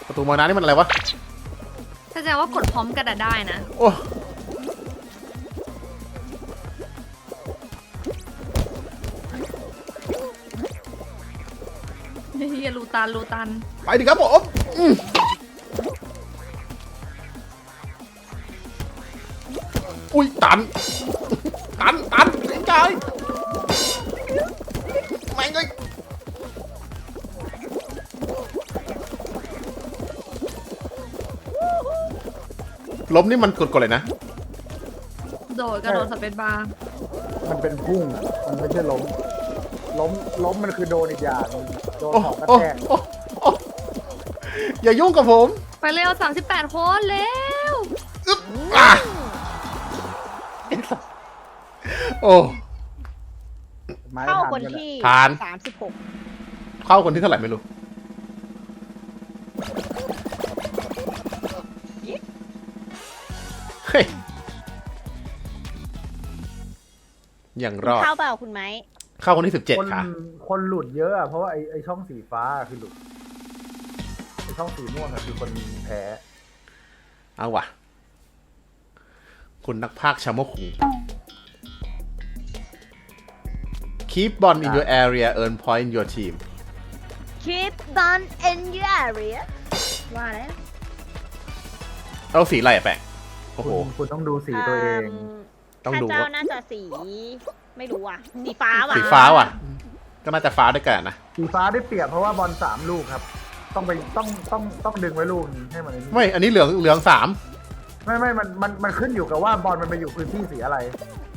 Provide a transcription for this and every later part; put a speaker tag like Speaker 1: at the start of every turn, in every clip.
Speaker 1: ประตูมาน้ำนี่มันอะไรวะ
Speaker 2: แสดงว่ากดพร้อมกันได้นะ
Speaker 1: โอ้
Speaker 2: เฮียรูตัน
Speaker 1: ไปดิครับผมอุ้ยตันไอ้กายแม่งเลยล้มนี่มันกดเลยนะ
Speaker 2: กระโดดสเปซบาร์
Speaker 3: มันเป็นพุ่งมันไม่ใช่ล้มมันคือโดนอีกอย่างโดนของกระแทก
Speaker 1: อย่ายุ่งกับผม
Speaker 2: ไปเร็ว38 คนเร็ว
Speaker 1: โอ้
Speaker 4: เข้าคนที่36
Speaker 1: เข้าคนที่เท่าไหร่ไม่รู้เฮ้ยอย่างรอด
Speaker 4: เข้าเปล่าคุณไม้
Speaker 1: เข้าคนที่17ค่ะ
Speaker 3: คนหลุดเยอะอะเพราะว่าไอช่องสีฟ้าคือหลุดไอช่องสีม่วงคือคนแพ้
Speaker 1: เอาว่ะคุณนักพากย์ชาโมคุง Keep ball in your area earn point in your team
Speaker 4: Keep ball in your area ว่าแล้ว
Speaker 1: เอาสีอะไรอะแปะโอ้โห
Speaker 3: คุณต้องดูสีตัวเอง
Speaker 1: ต้องดู
Speaker 4: เจ้าน่าจะสีไม่รู้อ่ะสีฟ้าว่ะ
Speaker 1: สีฟ้าว่ะก็น่าจะฟ้าด้วยกันนะ
Speaker 3: สีฟ้าได้เปรียบเพราะว่าบอล3 ลูกครับต้องดึงไว้ลูกให้มัน
Speaker 1: ไม่อันนี้เหลือง3
Speaker 3: ไม่มันขึ้นอยู่กับว่าบอลมันไปอยู่พื้นที่สีอะไร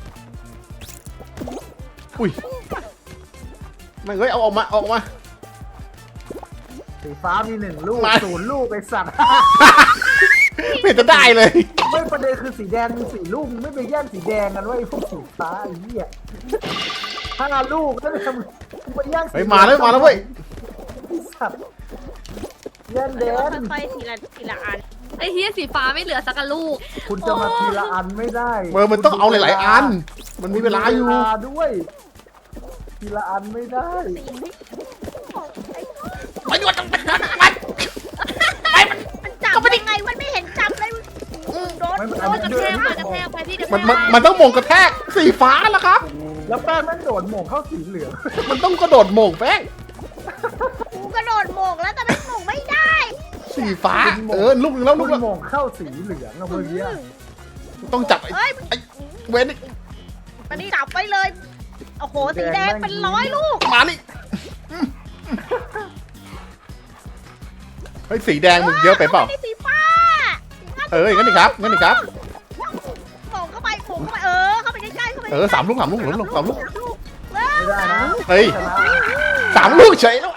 Speaker 1: อุ้ยไม่เฮ้ยเอาออกมา
Speaker 3: สีฟ้ามี1 ลูก0 ลูกไปสัตว์
Speaker 1: ไม่จะได้เลย
Speaker 3: ไม่ประเด็นคือสีแดงมี4 ลูกไม่ไปแย่งสีแดงกันว่าไอ้พวกสีฟ้าไอ้เหี้ย5 ลูกแล้วจะไปแย่งสี
Speaker 1: มาแล้วเว้ย
Speaker 3: สัตว์แย่งแดง
Speaker 4: ค่อยๆทีละอัน
Speaker 2: ไอ้เฮียสีฟ้าไม่เหลือสักลูก
Speaker 3: คุณจะมาทีละอันไม่ได้
Speaker 1: มันต้องเอาหลายๆอันมันมีเวลาอยู่
Speaker 3: ด้วยทีละอันไม่ได้
Speaker 1: ไม่หยุดต้องเป็นมัน
Speaker 4: จับยังไงมันไม่เห็นจับเลยโดน
Speaker 2: กระแทกไปพี่กระแทก
Speaker 1: มันต้องมงกระแทกสีฟ้าแล้วครับ
Speaker 3: แล้วแป้งมันโดดหม่งเข้าสีเหลือง
Speaker 1: มันต้องกระโดดมงแป้ง
Speaker 4: กูกระโดดหม่งแล้วแต่ไม่หม่งไม่ได้
Speaker 1: สีฟ้าลูกนึงแล้วลูก
Speaker 3: หม่งเข้าสีเหลืองอะเมื่อกี้
Speaker 1: ต้องจับไอ้เว้น
Speaker 4: มันนี่จับไปเลยโอ้โหสีแดงเป็น100 ลูก
Speaker 1: มานี่เฮ้ยสีแดงมึงเยอะไปเปล่า
Speaker 4: สีฟ้า
Speaker 1: งั้นดิครับ
Speaker 4: หม่งเข้าไปเข้าไปใกล้ๆเข้าไป
Speaker 1: 3 ลูก
Speaker 3: ไม่ได้นะ
Speaker 1: เฮ้ย3 ลูกเฉยแล้ว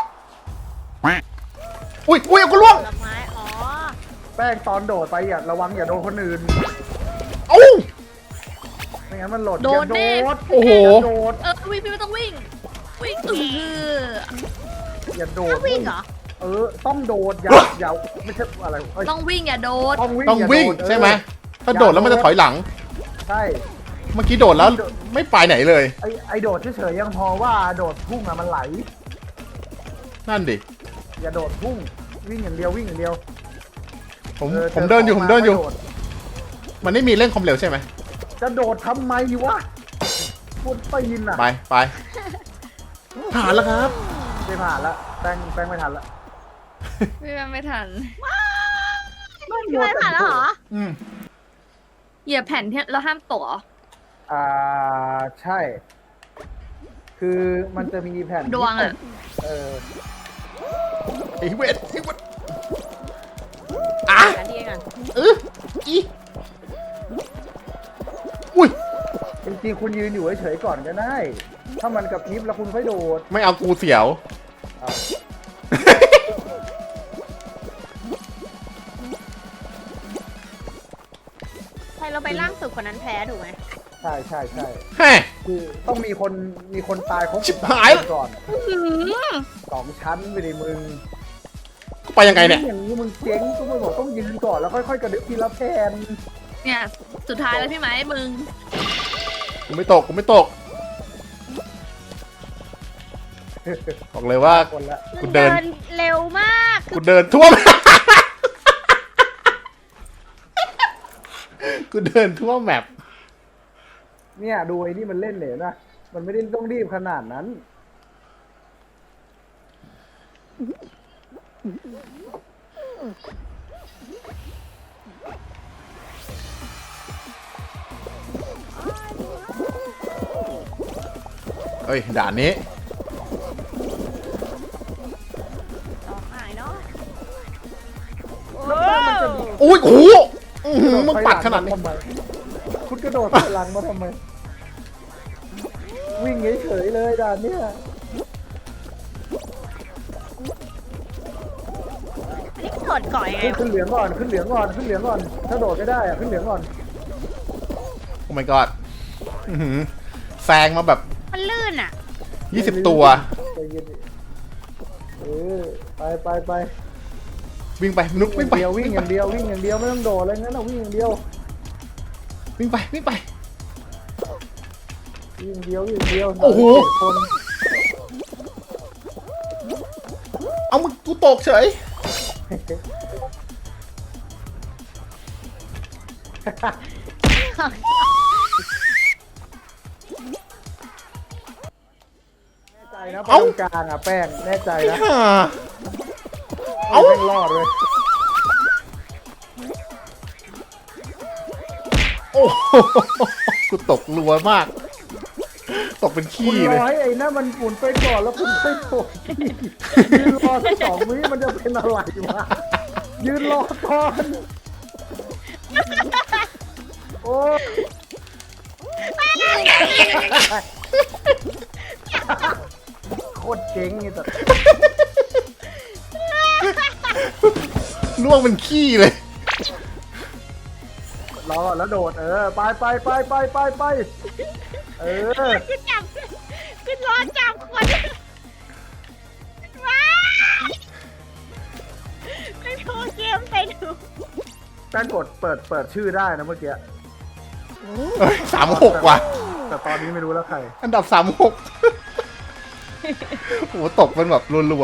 Speaker 1: อุ้ยกูล่วง
Speaker 3: แป้งตอนโดดไปอย่าระวังอย่าโดนคนอื่นไม่งั้นมันหล่น
Speaker 2: โดด
Speaker 1: โอ้โห
Speaker 2: วิ่งพี่ไม่ต้องวิ่ง
Speaker 3: อย่าโดด
Speaker 4: วิ่งเหรอ
Speaker 3: ต้องโดดอย่าไม่ใช่อะไร
Speaker 2: ต้องวิ่งอย่าโดด
Speaker 1: ต้องวิ่งใช่ไหมถ้าโดดแล้วมันจะถอยหลัง
Speaker 3: ใช่
Speaker 1: เมื่อกี้โดดแล้วไม่ไปไหนเลย
Speaker 3: ไอโดดเฉยๆยังพอว่าโดดพุ่งอะมันไหล
Speaker 1: นั่นดิ
Speaker 3: อย่าโดดพุ่งวิ่งอย่างเดียว
Speaker 1: ผมเดินอยู่มันไม่มีเร่งความเร็วใช่ไหม
Speaker 3: จะโดดทำไมวะพูดไปยินอะ
Speaker 1: ไปผ่านแล้วครับ
Speaker 3: ไม่ผ่านแล้วแป้งไม่ทันละ
Speaker 2: ไม่ทัน
Speaker 4: ไม่ผ่านแล้วเหรอ
Speaker 2: เหยียบแผ่นที่เราห้ามตก
Speaker 3: ใช่คือมันจะมีแผ่น
Speaker 2: ดวงอะ
Speaker 1: ไอ้เวทอุ้ย
Speaker 3: จริงๆคุณยืนอยู่เฉยๆก่อนก็ได้ถ้ามันกับพริบแล้วคุณค่อยโดด
Speaker 1: ไม่เอากูเสียว
Speaker 4: ใครเราไปล่างสุดคนนั้นแพ้ถูกไหม
Speaker 3: ใช่
Speaker 1: แฮ่
Speaker 3: คือต้องมีคนตายครบ
Speaker 1: ชิบหาย
Speaker 3: ก่อน2 ชั้นไปดิมึง
Speaker 1: ไปยังไงเนี่ย
Speaker 3: อย่างนี้มึงเจ๊งกูไม่บอกต้องยืนก่อนแล้วค่อยๆกระดึ๊บทีละแผ่น
Speaker 2: เนี่ยสุดท้ายแล้วพี่ไหมมึง
Speaker 1: กูไม่ตกบอกเลยว่ากูเดิน
Speaker 4: เร็วมาก
Speaker 1: กูเดินทั่วกูเดินทั่วแมป
Speaker 3: เนี่ยดูไอ้นี่มันเล่นเหลวนะมันไม่ได้ต้องรีบขนาดนั้น
Speaker 1: เอ้ยด่านนี้
Speaker 4: ต่อหายเนาะ
Speaker 1: อุ้ยโอ้โหอื้อหือมึงปัดขนาดนี้
Speaker 3: คุณกระโดดถอยหลังมาทำไม วิ่งเฉยๆเลยด่านเนี้ย
Speaker 4: อันนี้กดก่อยไง
Speaker 3: ขึ้นเหลืองก่อนขึ้นเหลืองก่อนขึ้นเหลืองก่อน ถ้าโดดไม่ได้อะขึ้นเหลืองก่อน
Speaker 1: โอ้ my god อื้อหือแซงมาแบบ
Speaker 4: มันลื่นอ่ะ
Speaker 1: 20 ตัว
Speaker 3: ใจเย็นดิไป
Speaker 1: วิ่งไปนุกวิ่งไป
Speaker 3: เดียววิ่งอย่างเดียววิ่งอย่างเดียวไม่ต้องโดดอะไรงั้นนะวิ่งอย่างเดียว
Speaker 1: วิ่งไปวิ่งไป
Speaker 3: วิ่งอย่างเดียววิ่งอย่างเดียว
Speaker 1: โอ้โห
Speaker 3: คน
Speaker 1: เอามึงกูตกเฉย
Speaker 3: แน่ใจนะไปตรงกลางอ่ะแป้งแน่ใจ
Speaker 1: ไอ้
Speaker 3: นะ
Speaker 1: ห่า
Speaker 3: เอา
Speaker 1: เอ้า
Speaker 3: แม่งรอดเลย
Speaker 1: โอ้โหกูตกรัวมาก ตกเป็น
Speaker 3: คุ
Speaker 1: ขี้
Speaker 3: ณ
Speaker 1: เล
Speaker 3: ร
Speaker 1: ย
Speaker 3: อให้ไอ้นั่นมันหมุนไปก่อนแล้วคุณค่อยโดดยืนรอสัก2 วิมันจะเป็นอะไรวะยืนรอก่อนโอ้ยโคตรเจ๋งไอ้สัส
Speaker 1: ล่วงเป็นขี้เลย
Speaker 3: รอแล้วโดดไป
Speaker 4: ขึ้นจับขึ้นรอจับคนว้ายไปดูเกมไปดู
Speaker 3: แป้งกดเปิดชื่อได้นะเมื่อกี้
Speaker 1: 36 ว่ะ
Speaker 3: แต่ตอนนี้ไม่รู้แล้วใคร
Speaker 1: อันดับ 36 โอ้โหตกเป็นแบบรัว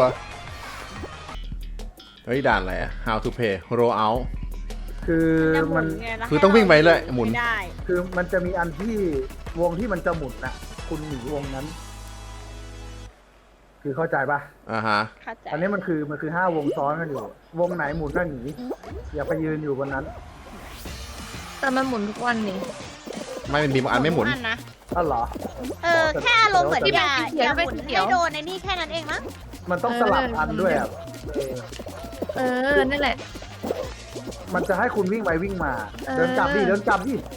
Speaker 1: ๆ เฮ้ย ด่านอะไรอะ How to play roll out
Speaker 3: คือมัน
Speaker 1: คือต้องวิ่งไปเลยหมุน
Speaker 4: ไม่ได้
Speaker 3: คือมันจะมีอันที่วงที่มันจะหมุนนะคุณหนีวงนั้น คือเข้าใจปะ
Speaker 1: อ่าฮะ
Speaker 4: เข้าใจ
Speaker 3: อันนี้มันคือ5 วงซ้อนกันอยู่ วงไหนหมุนก็หนีอย่าไปยืนอยู่บนนั้น
Speaker 2: แต่มันหมุนทุกวันนี่
Speaker 1: ไม่เป็นมีบางอันไม่หมุน
Speaker 4: อันนะ
Speaker 3: อ้าวเหรอ
Speaker 4: แค่อารมณ์เหมือน
Speaker 3: ที่
Speaker 4: อย่า
Speaker 2: มันเขียน
Speaker 4: ห
Speaker 2: เป็น
Speaker 4: มุน
Speaker 2: เขียว
Speaker 4: ให้โดนในนี่แค่นั้นเองมั้ง
Speaker 3: มันต้องสลับอันด้วยอ่ะ
Speaker 2: นั่นแหละ
Speaker 3: มันจะให้คุณวิ่งไปวิ่งมา
Speaker 2: เออ
Speaker 3: เดินกลับดิ
Speaker 2: จะ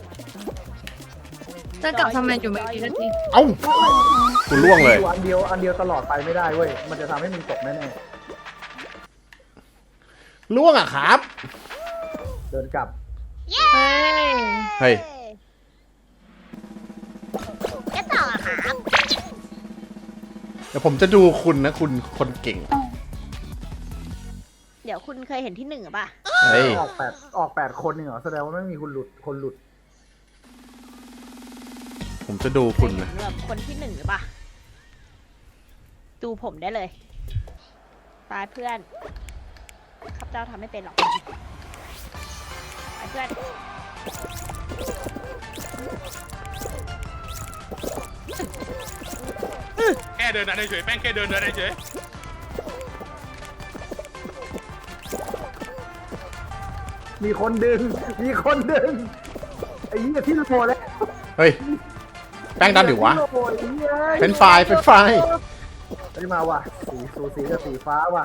Speaker 2: กลับทำไมอยู่ไม่กี่นาที
Speaker 1: เอ้ากูล่วงเลย
Speaker 3: อยู่อันเดียวตลอดไปไม่ได้เว้ย มันจะทำให้มึงตกแน่
Speaker 1: ล่วงอะครับ
Speaker 3: ๆ เดินกลับ
Speaker 4: เย้
Speaker 2: เฮ้ย
Speaker 1: เฮ้ย
Speaker 4: จะต่อครับ
Speaker 1: เดี๋ยวผมจะดูคุณนะคุณคนเก่ง
Speaker 4: เดี๋ยวคุณเคยเห็นที่ 1หรือเปล่า
Speaker 1: เฮ้ย
Speaker 3: ออก8 คนนี่เหรอ แสดงว่าไม่มีคนหลุด
Speaker 1: ผมจะดูคุณนะ
Speaker 4: แบบคนที่ 1หรือเปล่าดูผมได้เลยตายเพื่อนข้าพเจ้าทำไม่เป็นหรอกไปเพื่อน
Speaker 5: แค่เดินเดินเฉยแป้งแค่เดินเฉย
Speaker 3: มีคนดึง ไอ้เหี้ยที่โหดแล้ว
Speaker 1: เฮ้ย แป้งดันหรือวะ
Speaker 3: ที่โหดไอ้เหี้ย
Speaker 1: เป็นไฟล์เป็นไฟล์
Speaker 3: อันนี้มาว่ะสีสูสีกับสีฟ้าว่ะ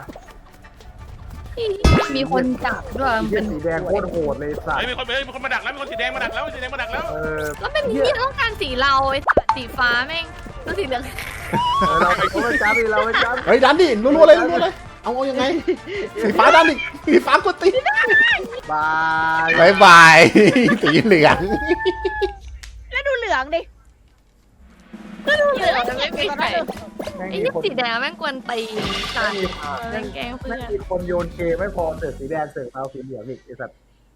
Speaker 2: มีคนจับด้วย
Speaker 3: ไอ้
Speaker 2: มั
Speaker 3: เหี้ย
Speaker 2: น
Speaker 3: สีแดงโคตรโหดเลยสัต
Speaker 5: เฮ้ย
Speaker 3: ว์
Speaker 5: มีคนมาดักแล้วมีคนสีแดงมาดักแล้วสีแดงมาดักแล้ว
Speaker 2: แล้วเป็นที่ต้องการสีเราไอ้สีฟ้าแม่งแล้วสีเหลือง
Speaker 3: เราไม่จับดิเราไม่จับ
Speaker 1: เฮ้ยดันดิรัวๆเลยรัวๆเลย เอายังไง สีฟ้าดันดิสีฟ้ากดตี
Speaker 3: บาย
Speaker 1: บายบาย สีเหลือง
Speaker 4: แล้วดูเหลืองดิ
Speaker 2: เหลืองจะไม่มีใคร
Speaker 3: แม่ง
Speaker 2: ไอ้
Speaker 3: มี
Speaker 2: นี่
Speaker 3: คน
Speaker 2: สีแดงแม่งกวนตีจัดแม่งแกล้งเพื่
Speaker 3: แม่
Speaker 2: อง น
Speaker 3: มีคนโยนเกมไม่พอเสือกสีแดงเสือกเอาสีเหลืองอีกไอ้สัตว์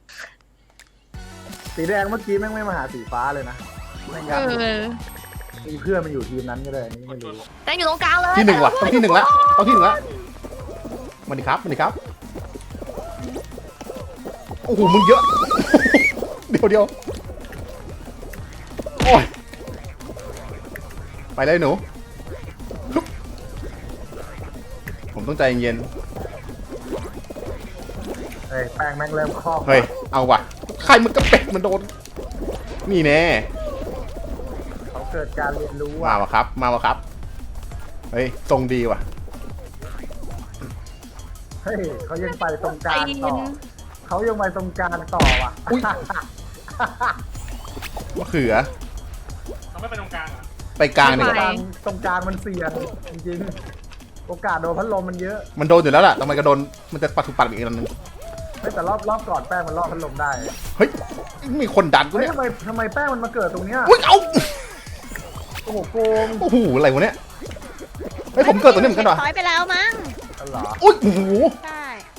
Speaker 3: สีแดงเมื่อกี้แม่งไม่มาหาสีฟ้าเลยนะแม่งยัดมีเพื่อนมันอยู่ทีมนั้นก็เลยนี่ไม่รู้
Speaker 2: แต่อยู่ตรงกลางเลย
Speaker 1: ที่หนึ่งว่ะต้องที่หนึ่งละต้องที่หนึ่งละมาดิครับมาดิครับโอ้โหมึงเยอะ เดี๋ยวโอ้ยไปเลยหนูลุกผมต้องใจเย็น
Speaker 3: เฮ้ยแป้งแม่งเริ่มคล่อง
Speaker 1: เฮ้ยเอาว่ะใครมันกระเป็ดมันโดนนี่แน่
Speaker 3: เขาเกิดการเรียนรู้
Speaker 1: มา
Speaker 3: อ่ะ
Speaker 1: วะครับเฮ้ยทรงดีว่ะ
Speaker 3: เฮ้ยเขายังไปตรงกลาง
Speaker 2: ตี
Speaker 3: ต่อน เขายังไปตรงกลางต่อว่ะ
Speaker 1: อุ๊ย มะเขือ
Speaker 5: เขาไม่ไปตรงกลางเหรอ
Speaker 1: ไปกลางดีก
Speaker 3: ตรงก
Speaker 1: ว่า
Speaker 3: ลางตรงกลางมันเสี่ยงจริงๆโอกาสโดนพัดลมมันเยอะ
Speaker 1: มันโดนอยู่แล้วล่ะทำไมก็โดนมันจะปัดถูกปัดอีกอันนึง
Speaker 3: ไม่แต่รอบก่อนแป้งมันรอบพัดลมได้
Speaker 1: เฮ้ยมีคนดันกู
Speaker 3: เฮ้ย
Speaker 1: เนี่ย
Speaker 3: ทำไมแป้งมันมาเกิดตรงเนี้ย
Speaker 1: อุ้ยเอา
Speaker 3: โอ้โหโกง
Speaker 1: โอ้โหอะไรวะเนี่ยเฮ้ยผมเกิดตัวนี้เหมือนกันเหรอ
Speaker 4: ถอยไปแล้วมั้ง
Speaker 3: อะไรเหรอ
Speaker 1: อุ้ยโอ้โห
Speaker 4: ใช่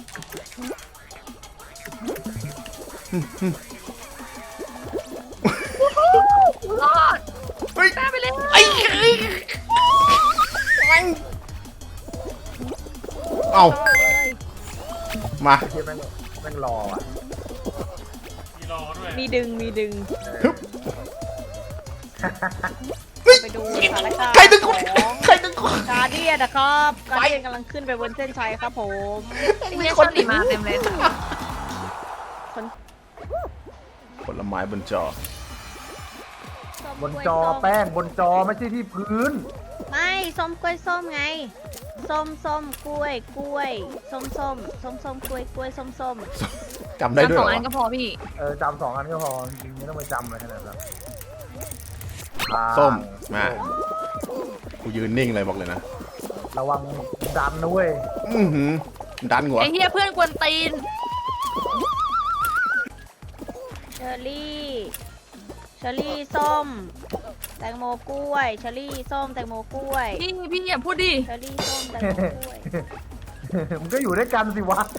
Speaker 2: รอด
Speaker 1: เฮ้ย
Speaker 2: ได้ไปเลย
Speaker 1: ไอ้เอา
Speaker 4: ต่อเลย
Speaker 1: มา
Speaker 3: ไอ้ที่แม่งรออ่ะ
Speaker 5: มีรอด้วย
Speaker 4: มีดึง
Speaker 1: ฮึบ
Speaker 4: ไปดูสถานการณ์
Speaker 1: ใครดึงกู
Speaker 4: ของ
Speaker 1: ใครดึงกู
Speaker 4: การเดียนนะครับการเดียนกำลังขึ้นไปบนเส้นชัยครับผม
Speaker 2: มีคนหนีมาเต็มเลยค่ะ
Speaker 1: ผลไม้บนจอ
Speaker 4: ส้ม
Speaker 3: บน
Speaker 4: กล้วย
Speaker 3: จอ
Speaker 4: ส้ม
Speaker 3: แป้งบนจอไม่ใช่ที่พื้น
Speaker 4: ไม่ส้มกล้วยส้มไง ส้มกล้วยส้มกล้วยส้ม
Speaker 1: จำได้ด้วย
Speaker 2: ส
Speaker 1: เห
Speaker 2: อ
Speaker 1: รง อ
Speaker 2: อันก็พอพี่
Speaker 3: จำ2 อันก็พอจริงๆไม่ต้องไปจำเลยขนาดนั้น
Speaker 1: ส้มมากูยืนนิ่งเลยบอกเลยนะ
Speaker 3: ระวังดันนะเว้ย
Speaker 1: อือหือดันหัว
Speaker 2: ไอ้เฮียเพื่อนกวนตีน
Speaker 4: เชอร์รี่ส้ม แตงโมกล้วยเชอร์รี่ส้มแตงโมกล้วย
Speaker 2: พี่อย่าพูดดิ
Speaker 4: เชอร์รี่ส้มแตงโมกล้วย
Speaker 3: มันก็อยู่ด้วยกันสิวะ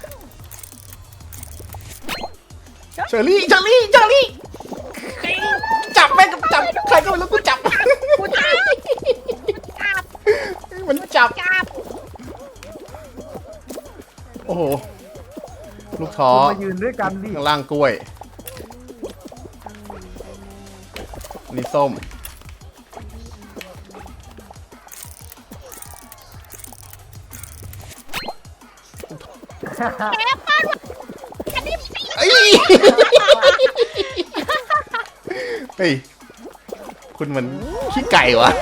Speaker 1: เชอรี่จับแม่งกับจับใครก็ไม่รู้กูจับมันจับโอ้โหลูกท้อ
Speaker 3: คุณมายืนด้วยกันดิ
Speaker 1: ข้างล่างกล้วยนี่ส้มเอ้ยเฮ้ยคุณมันขี้ไก่วะ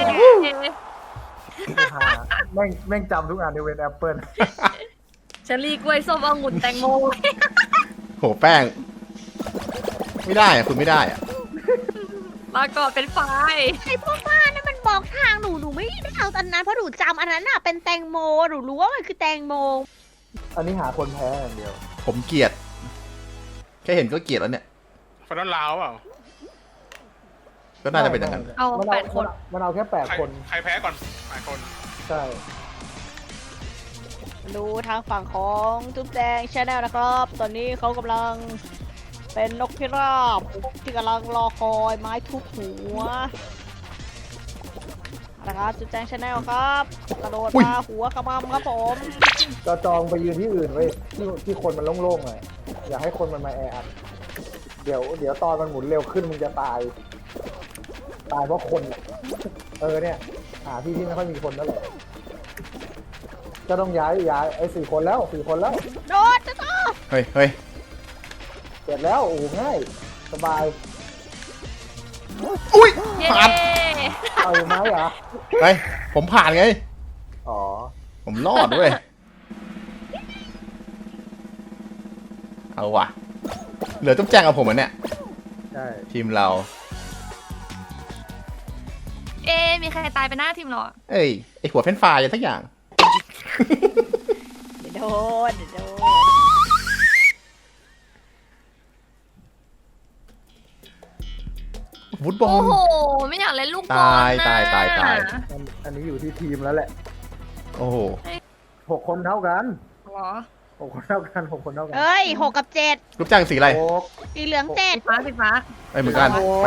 Speaker 3: แม่งจำทุกอันในเวนแอปเปิล
Speaker 2: เชอรี่กล้วยส้มองุ่นแตงโม
Speaker 1: โหแป้ง ไม่ได้อะคุณไม่ได้อะ
Speaker 2: มาก่อนเป็นไฟ
Speaker 4: ไอพวกบ้านนั่นมันบอกทางหนูไม่ได้เอาอันนั้นเพราะหนูจำอันนั้นน่ะเป็นแตงโมหนูรู้ว่ามันคือแตงโม
Speaker 3: อันนี้หาคนแพ้อย่างเดียว
Speaker 1: ผมเกลียด แค่เห็นก็เกลียดแล้วเนี่ย
Speaker 5: ฟันนอนลาวเปล่า
Speaker 1: ก็น่าจะเป็นอย่างนั้น
Speaker 2: เอา
Speaker 3: มัน
Speaker 2: 8 คน
Speaker 3: มันเอาแค่
Speaker 5: ใคร
Speaker 3: 8 คน
Speaker 5: ใครแพ้ก่อน8 คน
Speaker 3: ใช่
Speaker 4: ดูทางฝั่งของจุ๊บแดงชาแนลนะครับ ตอนนี้เขากำลังเป็นนกพิราบที่กำลังรอคอยไม้ทุบหัวนะครับจุ๊บแดงชาแนลครับกระโดด
Speaker 1: อุ๊ย
Speaker 4: มาหัวขมำครับผม
Speaker 3: ก็จองไปยืนที่อื่นไว้ที่คนมันโล่งๆหน่อยอย่าให้คนมันมาแออัดเดี๋ยวตอนมันหมุนเร็วขึ้นมึงจะตายเพราะคนเนี่ยหาที่ไม่ค่อยมีคนนั่นแหละก็ต้องย้ายไอ้4 คนแล้ว4 คนแล้ว
Speaker 4: โดดจะต่อ
Speaker 1: เฮ้ย
Speaker 3: เสร็จแล้วโอ้ง่ายสบาย
Speaker 1: อุ้ย
Speaker 2: เย้
Speaker 1: ผ่าน
Speaker 3: เอาไหมเหรอ
Speaker 1: ไปผมผ่านไง
Speaker 3: อ๋อ
Speaker 1: ผมรอดด้วย เอาว่ะ เหลือจุ๊บแจงกับผมอ่ะเนี่ย
Speaker 3: ใช่
Speaker 1: ทีมเรา
Speaker 2: มีใครตายไปหน้าทีมเราอะ
Speaker 1: เอ้ย ไอหัวเฟ้นไฟรายอะไรทักอย่าง
Speaker 4: เดี๋ยวโดน
Speaker 1: ฟุตบอ
Speaker 2: โอ้
Speaker 1: ล
Speaker 2: โห ไม่อยากเล่นลูกบอล
Speaker 1: ตาย
Speaker 2: นะ
Speaker 1: ตาย
Speaker 3: อันนี้อยู่ที่ทีมแล้วแหละ
Speaker 1: โอ้โห
Speaker 3: 6 คนเท่ากัน
Speaker 2: เหรอ
Speaker 3: 6 คนเท่ากัน6 คนเท่ากัน
Speaker 4: เอ้ย6 กับ 7
Speaker 1: จุ๊บแจงสีอะไร
Speaker 3: โอ้
Speaker 4: สีเหลือง
Speaker 2: สีฟ้า
Speaker 1: ไปเหมือนกัน ไป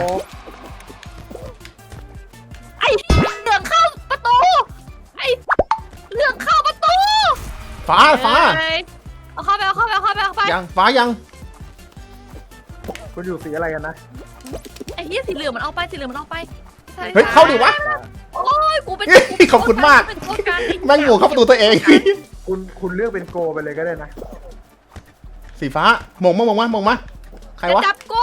Speaker 2: ไอ้เหลืองเข้าประตู ไอ้เหลืองเข้าประตู
Speaker 1: ฟ้า
Speaker 2: เอ้ยเอาเข้าไป
Speaker 1: ยังฟ้ายัง
Speaker 3: คุณอยู่สีอะไรกันนะ
Speaker 2: ไอ้เหี้ยสีเหลืองมันเอาไปใช่
Speaker 1: เฮ้ยเข้าดิวะ
Speaker 2: โอ้ยกูเป็น
Speaker 1: ขอบคุณมาก
Speaker 2: เป็นโค้ชการ
Speaker 1: แม่งหมูเข้าประตูตัวเอง
Speaker 3: คุณเลือกเป็นโกไปเลยก็ได้นะ
Speaker 1: สีฟ้ามองมาใครวะ
Speaker 2: จะจับกู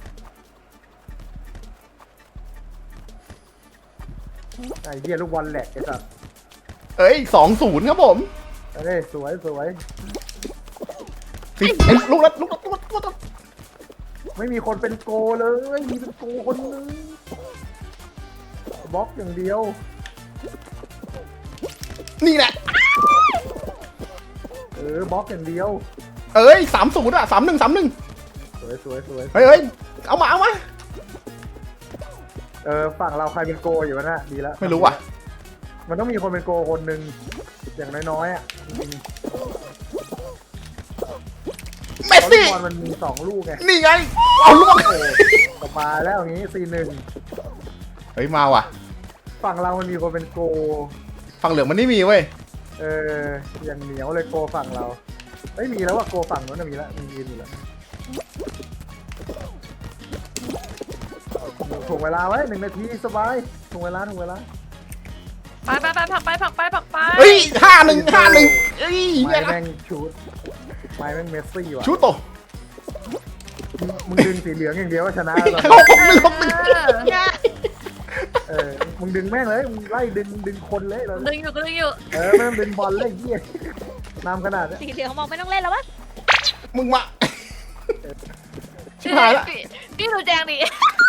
Speaker 3: ไอ้เหี้ยลูกบอลแหลกไอ้สัส
Speaker 1: เอ้ย2-0ครับผม
Speaker 3: เอ้ยสวย
Speaker 1: สีไอ้ลูกนัด
Speaker 3: ไม่มีคนเป็นโกเลยมีเป็นโกคนนึงบล็อกอย่างเดียว
Speaker 1: นี่แหละ
Speaker 3: บล็อกอย่างเดียว
Speaker 1: เอ้ย3-0อ่ะ3-1
Speaker 3: สวย
Speaker 1: เฮ้ยเอามา
Speaker 3: ฝั่งเราใครเป็นโกอยู่วะน่ะดีแล้ว
Speaker 1: ไม่รู้ว่ะ
Speaker 3: มันต้องมีคนเป็นโกคนหนึ่งอย่างน้อยๆอ่ะจริง
Speaker 1: เม
Speaker 3: ๆ
Speaker 1: ส
Speaker 3: เพราะลู
Speaker 1: ซี่
Speaker 3: กบอลมันมี2ลูกไง
Speaker 1: นี่ไงเอาลูก
Speaker 3: โอ้กลับมาแล้วอย่างนี้4-1
Speaker 1: เฮ้ยมาว่ะ
Speaker 3: ฝั่งเรามันมีคนเป็นโก
Speaker 1: ฝั่งเหลืองมันไม่มีเว้ย
Speaker 3: อย่างเหนียวเลยโกฝั่งเราไม่มีแล้วว่าโกฝั่งนู้นนะมีแล้วมียืนอยู่แล้วถ่วงเวลาไว้1 นาทีสบายถ่วงเวลา
Speaker 2: ไปผักไป
Speaker 1: เฮ้ย5-1เฮ้ย
Speaker 3: ไม้แม่งชูดไม้แม่งเมสซี่ว่ะ
Speaker 1: ชูโต
Speaker 3: มึงดึงสีเหลืองอย่างเดียวก็ชนะแล้ว มึงดึงแม่งเลยมึงไล่ดึงคนเลยเรา
Speaker 2: ดึงอยู่
Speaker 3: ไม่ต้องดึงบอลเลยเหี้ยนำขนาดนี้
Speaker 4: สีเหลืองมองไม่ต้องเล่นแล้ววะ
Speaker 1: มึงมาชิบหายละ
Speaker 2: พี่ดูแจงดิ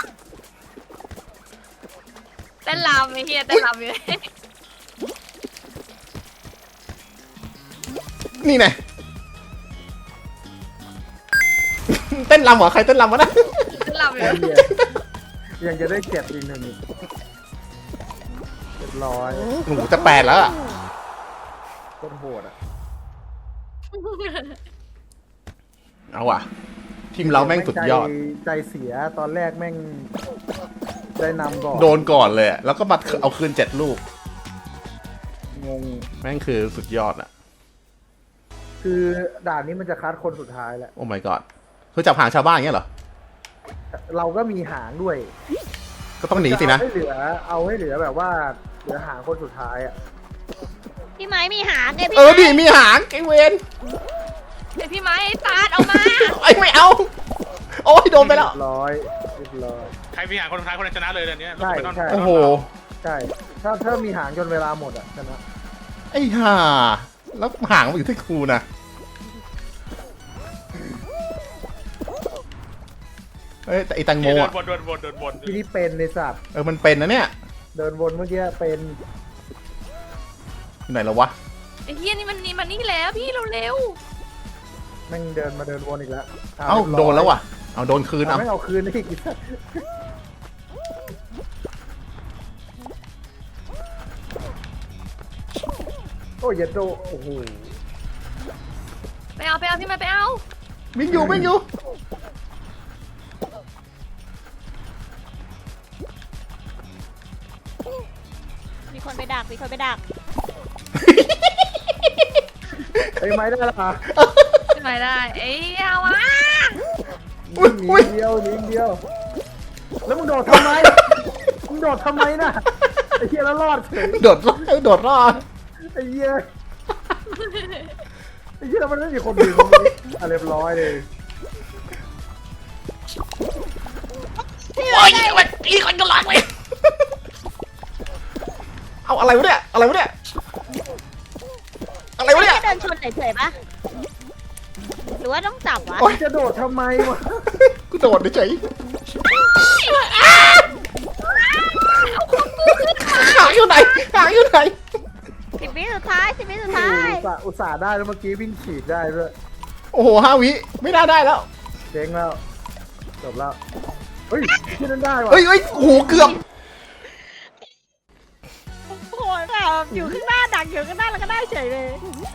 Speaker 2: เต้นรำไอ้เหี้ยเต้นรำอยู่
Speaker 1: นี่ไงเต้นรำเหรอใครเต้นรำวะนะ
Speaker 2: เต้นรำอยู่
Speaker 3: ไอ้เหี้ยยังจะได้เก็บอีก1อีกเรียบร้อย
Speaker 1: หนูจะ8แล้วอะ
Speaker 3: ต้นโหดอ่ะ
Speaker 1: เอาว่ะทีมเราแม่งสุดยอด
Speaker 3: ใจเสียตอนแรกแม่งได้นำก่อน
Speaker 1: โดนก่อนเลยอะแล้วก็มาเอาคืน7 ลูก
Speaker 3: งง
Speaker 1: แม่งคือสุดยอดอะ
Speaker 3: คือด่านนี้มันจะคัดคนสุดท้ายแหละ
Speaker 1: โอ้ my god คือจับหางชาวบ้านอย่างเงี้ยเหรอ
Speaker 3: เราก็มีหางด้วย
Speaker 1: ก็ต้องหนีสินะ
Speaker 3: เอาให้เหลือแบบว่าเหลือหางคนสุดท้ายอ่ะ
Speaker 4: พี่ไม้มีหางไงพี่
Speaker 1: ดิมีหางไอเวน
Speaker 2: เดี๋ยวพี่ไม้ไอ้ตาดเอามา
Speaker 1: ไอไม่เอา โอ้ยโดนไปแล้ว
Speaker 3: เรียบร้อย
Speaker 5: ใครมีหางคนสุดท้ายคนนั้นชนะเลยเดี๋ยวนี้
Speaker 3: ใช่
Speaker 5: ไปนอน
Speaker 3: ใช่
Speaker 1: โอ้โห
Speaker 3: ใช่ถ้ามีหางจนเวลาหมดอ่ะชนะ
Speaker 1: ไอ้ห่าแล้วหางมันอยู่ที่ครูนะเอ้ยแต่ไอแตงโม
Speaker 5: เดิน
Speaker 1: อะ
Speaker 5: วน
Speaker 3: ที่นี่เป็นในสัตว์
Speaker 1: มันเป็นนะเนี่ย
Speaker 3: เดินวนเมื่อกี้เป็น
Speaker 1: อยู่ไหนแล้ววะ
Speaker 2: ไอ้เหี้ยนี่มันนี่แล้วพี่เร็ว
Speaker 3: แม่งเดินวนอีกแล้ว
Speaker 1: เอ้าโดนแล้วว่ะเอาโดนคืนเอา
Speaker 3: ไม่เอาคืนได้อีกสัตว์โอ้ยอย่าโดโอ้โห
Speaker 2: ๆไปเอาพี่ไม้ไปเอา
Speaker 1: วิ่งอยู่
Speaker 4: มีคนไปดัก
Speaker 3: ไอ้ไม้ได้แล้วอ่ะ
Speaker 2: พี่ไม้ได้เอ้ยเอาวะ
Speaker 3: หนีเดียวแล้วมึงโดดทำไมน่ะไอ้เหี้ยแล้วรอดเฉย
Speaker 1: โดดรอด
Speaker 3: ไอ้เหี้ยแล้วมันไม่มีคนดึงเรียบร้อยเลย
Speaker 1: โอ้ยอีกคนก็หลังเลยเอาอะไรวะเนี่ยอะไรวะเนี่ย
Speaker 4: แค่เดินชนเฉยๆปะหรือว่าต้องจับวะ
Speaker 1: โอ๊ย
Speaker 3: จะโดดทำไมวะ
Speaker 1: กูโดดเฉยหางอยู่ไหน
Speaker 4: 10 วิสุดท้าย
Speaker 3: อุตส่าห์ได้แล้วเมื่อกี้วิ่งฉีดได้ด้วย
Speaker 1: โอ้โห5 วิไม่ได้แล้ว
Speaker 3: เจ๊งแล้วจบแล้วเฮ้ยที่นั่นได้วะ
Speaker 1: เฮ้ยโอ้โหเกือบ
Speaker 4: โอ้โหแบบอยู่ข้างหน้าดักอยู่ข้างหน้าแล้วก็ได้เฉยเลย